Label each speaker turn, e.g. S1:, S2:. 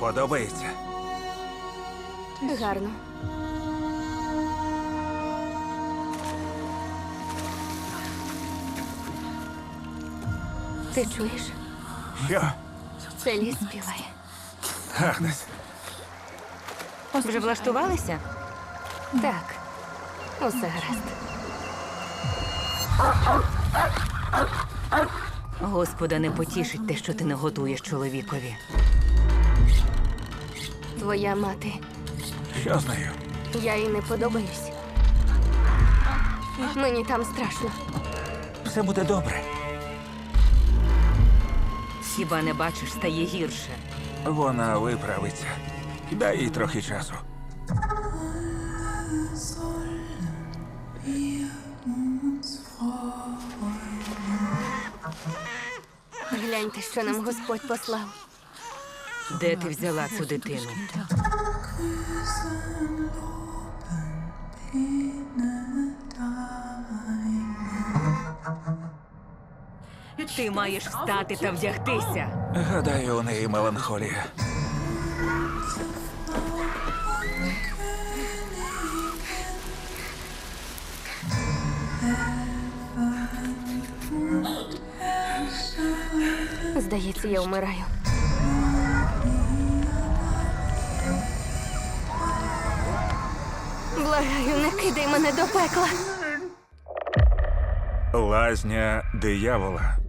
S1: Подобається?
S2: Гарно. Ти чуєш?
S1: Що?
S2: Це ліс співає.
S1: Агнес,
S3: Вже влаштувалися?
S2: Так, усе гаразд.
S3: Господа не потішить те, що ти не готуєш чоловікові.
S2: Твоя мати.
S1: що з нею?
S2: Я їй не подобаюсь. Мені там страшно.
S1: Все буде добре.
S3: Хіба не бачиш, стає гірше.
S1: Вона виправиться. Дай їй трохи часу.
S2: Гляньте, що нам Господь послав.
S3: Де ти взяла цю дитину? Ти маєш встати та вдягтися.
S1: Гадаю, у неї меланхолія.
S2: Здається, я вмираю. Благаю, не кидай мене до пекла.
S1: Лазня диявола.